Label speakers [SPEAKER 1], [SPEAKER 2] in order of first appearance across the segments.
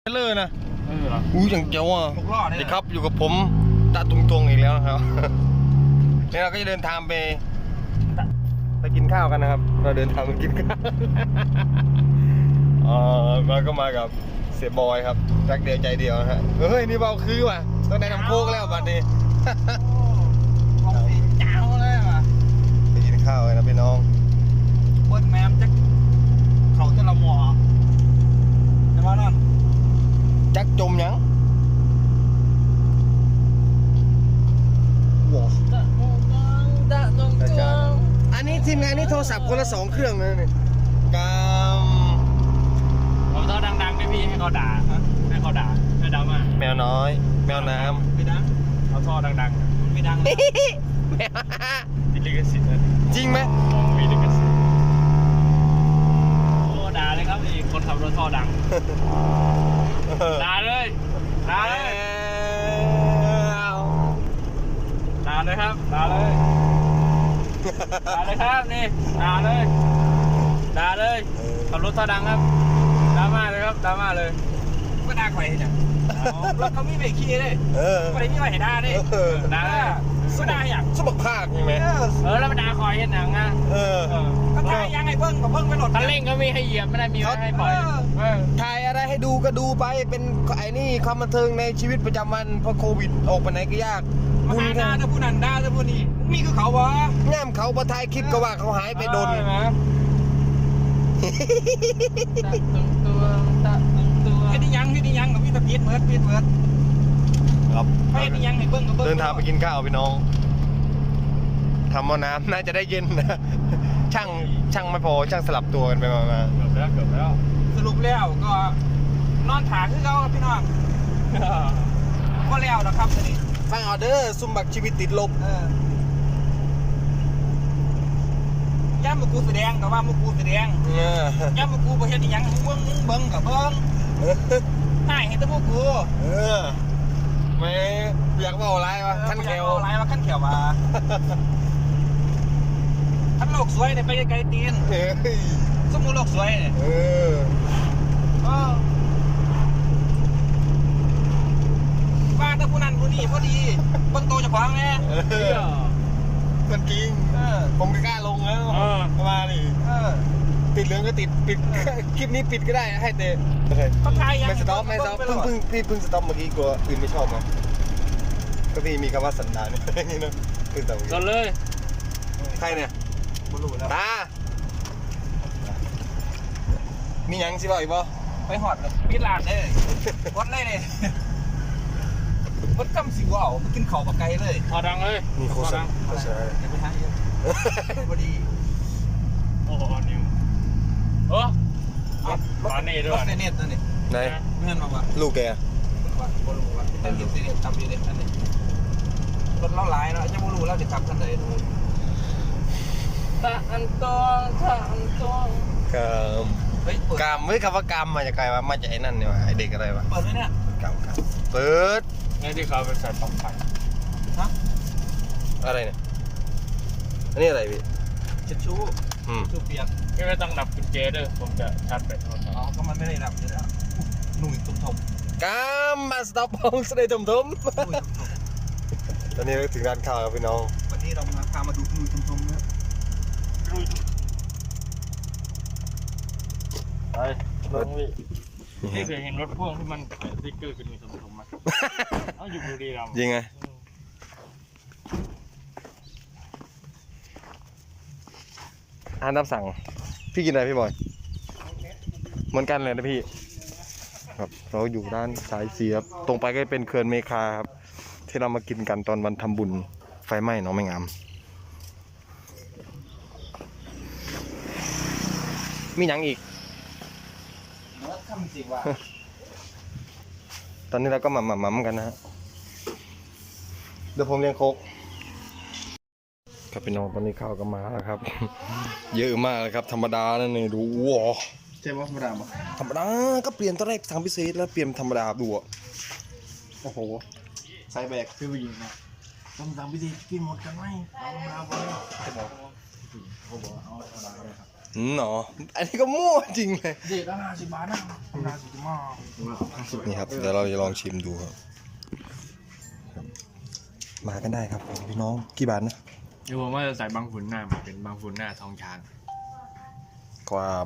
[SPEAKER 1] เลอร์นะ
[SPEAKER 2] เหรอ
[SPEAKER 1] อย่างเจ๋วอ่ะดีครับอยู่กับผมตาตุงๆอีกแล้วนะครับนี่เราก็จะเดินทางไปกินข้าวกันนะครับเราเดินทางไปกินข้าวเราก็มากับเสียบอยครับรักเดียวใจเดียวนะฮะเฮ้ยนี่เบาคือว่ะต้องได้น้ำโคกแล้วบัดนี้
[SPEAKER 2] ของสีเจ้าเลยว่ะ
[SPEAKER 1] ไปกินข้าวกันนะพี่น้อง
[SPEAKER 2] เบิ้ลแมมจะเขาจะละหมอแต่ว่านั่น
[SPEAKER 1] จักจมยังว้าวอันนี้ทีมงานนี่โทรศัพท์คนละ2 เครื่องเลยนี่ก
[SPEAKER 2] ผมต้องดังๆให้พี่ให้เขาด่าให้เขาด่าให้ดราม่า
[SPEAKER 1] แมวน้อยแมวน้ำ
[SPEAKER 2] ไม่ดังเขาท่อดังๆไม่ดังมีลิขสิทธิ์
[SPEAKER 1] จริงไหม
[SPEAKER 2] มีลิขสิทธิ์โอ้ด่าเลยครับนี่คนขับรถท่อดังด่าเลยด่าเลยด่าเลยครับด่าเลยด่าเลยครับนี่ด่าเลยด่าเลยขับรถท่อดังครับดราม่าเลยครับดราม่าเลยก็ด่าใครเนี่ยรถเขามีเบรกขี้เลยไม่ได้มีอะไรให้ด่าดิด่าก็ด่าอย่าง
[SPEAKER 1] สมบักภาคใช่ไหม
[SPEAKER 2] แล้วมันด่าคอยเห็นหนังอ่ะก็ด่ายังไงเบิ้งกับเบิ้งไปหลดคันเร่งก็มีให้เหยียบไม่ได้มีให้ปล่อย
[SPEAKER 1] ถ่ายอะไรให้ดูก็ดูไปเป็นไอ้นี่ความบันเทิงในชีวิตประจำวันเพราะโควิดออกไปไหนก็ยาก
[SPEAKER 2] บุญด่าจะพูดนั่นด่าจะพูดนี่มีคือเขาวะ
[SPEAKER 1] ง่ามเขาประทายคลิปก็ว่าเขาหายไปโดน
[SPEAKER 2] ให้ดิยังกับพี่ตะพีดเมิร์ด
[SPEAKER 1] ครับ
[SPEAKER 2] ให้ดิยังให้เบิ้งกับเบิ้ง
[SPEAKER 1] เดินทางไปกินข้าวพี่น้องทำหม้อน้ำน่าจะได้เย็นนะช่างไม่พอช่างสลับตัวกันไปมา
[SPEAKER 2] เกือบแล้วสรุปแล้วก็นอนถาคือเขาพี่น้องก็แล้วนะครับนี่
[SPEAKER 1] ฟังออเดอร์ซุ่มบักชีวิตติดลบ
[SPEAKER 2] ย่ามุกูแสดงกับว่ามุกูแสดงย่ามุกูประเทศยังเบิ้งกับเบิ้งให้เห็นแต่มุกู
[SPEAKER 1] ไม่อยากว่าอะไรวะขั้นเขียว
[SPEAKER 2] อะไรวะขั้นเขียวมาขั้นโลกสวยเนี่ยไปไกลๆตีนสมมุติโลกสวยเนี่ยว่าแต่ผู้นั้นผู้นี้พอดีเบิ้งโตจะขวางไง
[SPEAKER 1] มันจริงผมไม่กล้าลงแล้วมาดิติดเหลืองก็ติดปิดคลิปนี้ปิดก็ได้ให้เตะไม่สต็อปเพิ่งสต็อปเมื่อกี้กลัวอื่นไม่ชอบมั้งก็พี่มีคำว่าสันดานนี่นะคือแต่
[SPEAKER 2] ก็เลย
[SPEAKER 1] ใครเนี่ยตามียังสิบ่อีกบ่
[SPEAKER 2] ไปหอดปิดร้านเลยวัดเลยเนี่ยวัดกำสิวเอาไปกินข้าวปลาไก่เลยพอดังเลย
[SPEAKER 1] มีโคสัง
[SPEAKER 2] อย่าไปทางเยอะพอดีโอ้โหนิวรถเน็ตด้วยเน็ตนั่นนี่
[SPEAKER 1] ไหน
[SPEAKER 2] เงินมาว่า
[SPEAKER 1] ลูกแก
[SPEAKER 2] ว่าบอลูว่าแต่เก็บซีเรียสจำอยู่เด็ดนั่นนี่รถเล่าหลายเนาะจะบอลูแล้วจะขับกันเลยตะอันตอง
[SPEAKER 1] กามไม่คำว่ากามมาจากใครวะมาจากไอ้นั่นนี่วะไอเด็กอะไรวะ
[SPEAKER 2] เปิดไหมเนี่ย
[SPEAKER 1] กามเปิด
[SPEAKER 2] นี่ที่เขาเป็นสายปลั๊กไฟฮะ
[SPEAKER 1] อะไรเนี่ยอันนี้อะไรพี่
[SPEAKER 2] เช็ดชูเปียกไม่ต้องดับกุญแจด้วยผมจะชาร์จแบตอ๋อก็มันไม่ได้ดับอยู่แล้วหนุ่ยตุ่ม
[SPEAKER 1] กามมาสต็อปห้องสเตย์ตุ่มตอนนี้ถึงร้านข้าวครับพี่น้อง
[SPEAKER 2] วันนี้เราพามาดูหนุ่ยตุ่มนะไปลงวินี่เคยเห็นรถพ่วงที่มันสติ๊กเกอร์เป็นหนุ่ยตุ่มไหมเอาอยู่บุรีรัมย์
[SPEAKER 1] ยิงไงอาหารตามสั่งพี่กินอะไรพี่บอยเหมือนกันเลยนะพี่ครับเราอยู่ด้านสายเสียบตรงไปก็เป็นเขื่อนเมฆาครับที่เรามากินกันตอนวันทำบุญไฟไหม้น้องไม่งามมีหยังอีกตอนนี้เราก็หม่ำกันนะฮะเดี๋ยวผมเลี้ยงโคกครับพี่น้องตอนนี้ข้าวก็มาแล้วครับเยอะมากเลยครับธรรมดานั่นเองดูว้าว
[SPEAKER 2] ใช่ว่าธรรมดาปะ
[SPEAKER 1] ธรรมดาก็เปลี่ยนตอนแรกสั่งพิเศษแล้วเปลี่ยนธรรมดาดูอ่ะ
[SPEAKER 2] โอ้โหใส่แบกคือผู้หญิงนะต้องสั่งพิเศษกินหมดกันไหมเอาไปจะบอกเขาบอกเอาธรรมดาเลยครับ
[SPEAKER 1] หนออันนี้ก็มั่วจริงเลย
[SPEAKER 2] เด็ดละ50 บาทนะ50 บาท
[SPEAKER 1] นี่ครับเดี๋ยวเราจะลองชิมดูครับมากันได้ครับพี่น้องกี่บาทนะ
[SPEAKER 2] เดี๋ยวผมว่าจะใส่บางฝุ่นหน้าเป็นบางฝุ่นหน้าทองช้าง
[SPEAKER 1] ความ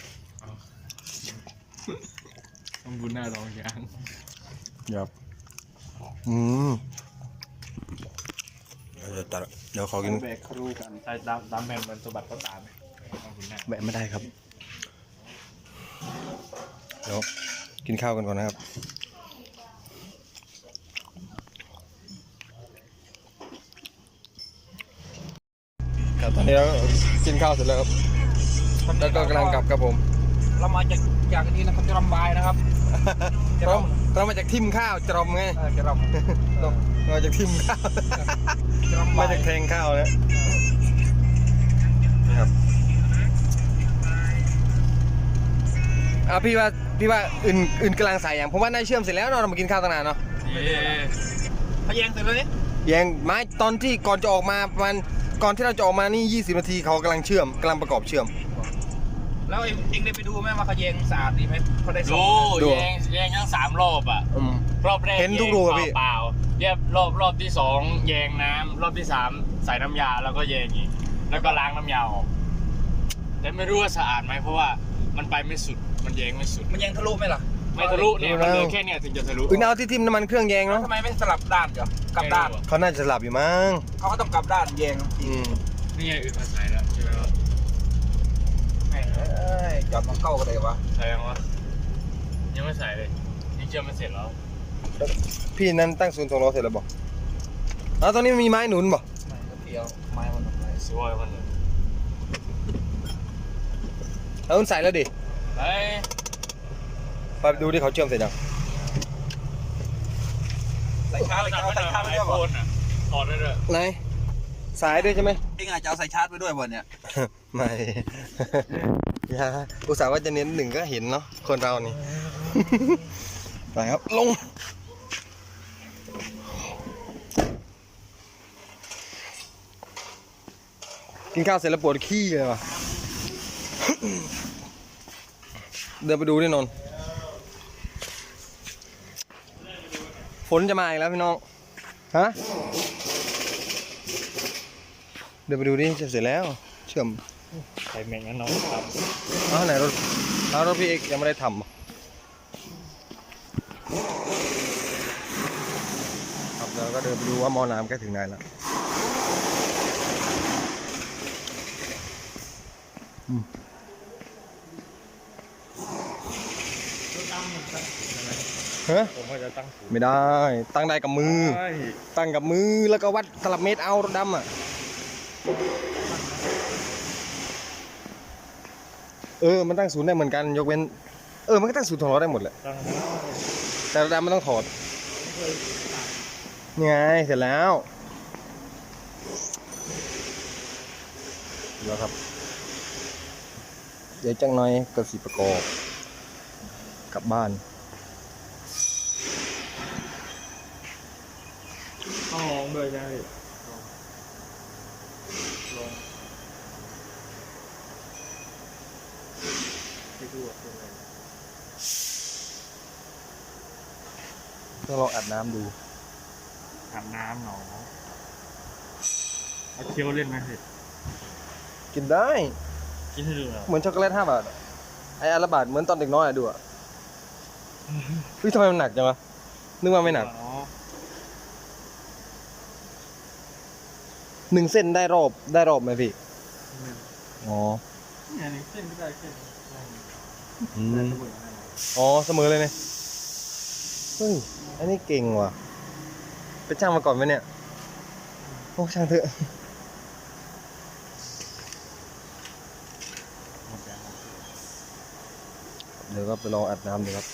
[SPEAKER 2] บางฝุ่นหน้าทองช้าง
[SPEAKER 1] ครับเดี๋ยวขอกิน
[SPEAKER 2] แบกครูกันใส่ตามแผ่นมันสะบัดก็ตามบางฝุ่นหน้า
[SPEAKER 1] แบะไม่ได้ครับเดี๋ยวกินข้าวกันก่อนนะครับครับตอนนี้เรากินข้าวเสร็จแล้วครับแล้วก็กำลังกลับครับผม
[SPEAKER 2] เรามาจากนี้นะครับจะรำบายนะครับ
[SPEAKER 1] เรามาจากทิมข้าวจรมไง
[SPEAKER 2] จะรำ
[SPEAKER 1] มาจากทิมข้าว
[SPEAKER 2] จะรำ
[SPEAKER 1] มา
[SPEAKER 2] บาย
[SPEAKER 1] จากแทงข้าวนะนะครับพี่ว่าอื่นกำลังใส่อย่างผมว่าน่าเชื่อมเสร็จแล้วเนาะเรามากินข้าวตั้งนานเนาะ
[SPEAKER 2] พะแยงเสร็จแล้วนี่
[SPEAKER 1] ยังไม้ตอนที่ก่อนจะออกมาประมาณก่อนที่เราจะออกมานี่20 นาทีเขากำลังประกอบเชื่อม
[SPEAKER 2] แล้วเองได้ไปดูไหมว่าเขาแยงสะอาดดีไหมเขาได้ดูแยงทั้ง3 รอบอ่ะรอบแรก
[SPEAKER 1] เห็นทุกรูอะพี่
[SPEAKER 2] เปล่าเรียบรอบที่2แยงน้ำรอบที่3ใส่น้ำยาแล้วก็แยงอีกแล้วก็ล้างน้ำยาออกแต่ไม่รู้ว่าสะอาดไหมเพราะว่ามันไปไม่สุดมันแยงไม่สุดมันแยงทะลุไหมล่ะไม่ทะลุเนี่ยมันเหลือแค่เนี่ยถึงจะทะลุ
[SPEAKER 1] เอาที่ทิมน้ำมันเครื่องแยงเนาะ
[SPEAKER 2] ทำไมไม่สลับด้านก่อนกลับด้าน
[SPEAKER 1] เขาน่าจะหลับอยู่มั้ง
[SPEAKER 2] เขาก็ต้องกลับด้านแยงนี่ไงอื่นมาใส่แล้วใช่ไหมวะกลับมาเข้ากันเลยวะใส่ยังวะยังไม่ใส่เลยยังเชื่อมไม่เสร็จแล้ว
[SPEAKER 1] พี่นั้นตั้งศูนย์2 ล้อเสร็จแล้วบอกตอนนี้มีไม้หนุนบอก
[SPEAKER 2] ไม่เพียวไม้มันอะไรสวยมันเลย
[SPEAKER 1] แล้วคุณใส่แล้วดิ
[SPEAKER 2] ไป
[SPEAKER 1] ไปดูที่เขาเชื่อมเสร็จยัง
[SPEAKER 2] ใส่ชาร์จไม่ได้บ่ถอดได้เลย
[SPEAKER 1] ไหนสายด้วยใช่ไหม
[SPEAKER 2] พี่อาจจะเอาใส่ชาร์จไปด้วยบนเนี่ย
[SPEAKER 1] ไม่ อย่าอุตส่าห์ว่าจะเน้น1ก็เห็นเนาะคนเรานี่ ไปครับลงกินข้าวเสร็จแล้วปวดขี้เลยว่ะ เดินไปดูดินนท์ฝนจะมาอีกแล้วพี่น้องฮะเดินไปดูดิเสร็จแล้วเชื่อม
[SPEAKER 2] ใส่แมงงั้นน้องครับ
[SPEAKER 1] ไหนรถพี่เอกยังไม่ได้ทำครับแล้วก็เดินไปดูว่าหม้อน้ำใกล้ถึงไหนแล้วฮะ
[SPEAKER 2] ผมก็จะตั้งสูง
[SPEAKER 1] ไม่ได้ ตั้งได้กับมือ ตั้งกับมือแล้วก็วัดตลับเมตรเอารถดำอ่ะมันตั้งศูนย์ได้เหมือนกันยกเว้นมันก็ตั้งศูนย์ถอดได้หมดแหละแต่รถดำมันต้องถอดนี่ไงเสร็จแล้วครับ เดี๋ยวจังหน่อยก็สิประกอบกลับบ้าน
[SPEAKER 2] ต้องลองด้วยใช่ไหมลองไปดูว่าเป็นไง
[SPEAKER 1] ต้องลองอัดน้ำดู
[SPEAKER 2] อาบน้ำหนอเอาเคี้ยวเล่นไหมสิ
[SPEAKER 1] กินได้
[SPEAKER 2] กินให้ดูหน่อย
[SPEAKER 1] เหมือนช็อกโกแลต5 บาทอะไอ้อันละบาทเหมือนตอนเด็กน้อยอะดูอะทำไมมันหนักจังวะนึกว่าไม่หนัก 1 เส้นได้รอบไหมพี่อ๋อ
[SPEAKER 2] เนี่ยนี่เส้นก็ได้เส้น
[SPEAKER 1] เสมอเลยเนี่ยเฮ้ยอันนี้เก่งว่ะไปช่างมาก่อนไหมเนี่ยโอ้ช่างเถอะเดี๋ยวก็ไปลองอัดน้ำดูครับ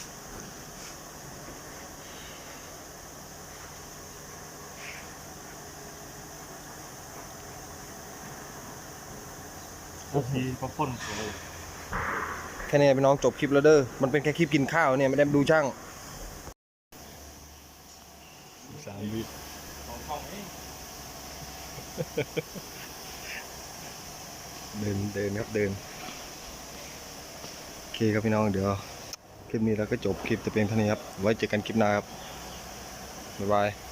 [SPEAKER 2] ทีก็พ่นเลย
[SPEAKER 1] แค่นี้พี่น้องจบคลิปแล้วเด้อมันเป็นแค่คลิปกินข้าวเนี่ยไม่ได้ดูช่าง
[SPEAKER 2] 3 วิของห้องนี้
[SPEAKER 1] เดินครับเดินเคครับพี่น้องเดี๋ยวคลิปนี้เราก็จบคลิปแต่เพียงเท่านี้ครับไว้เจอกันคลิปหน้าครับบ๊ายบาย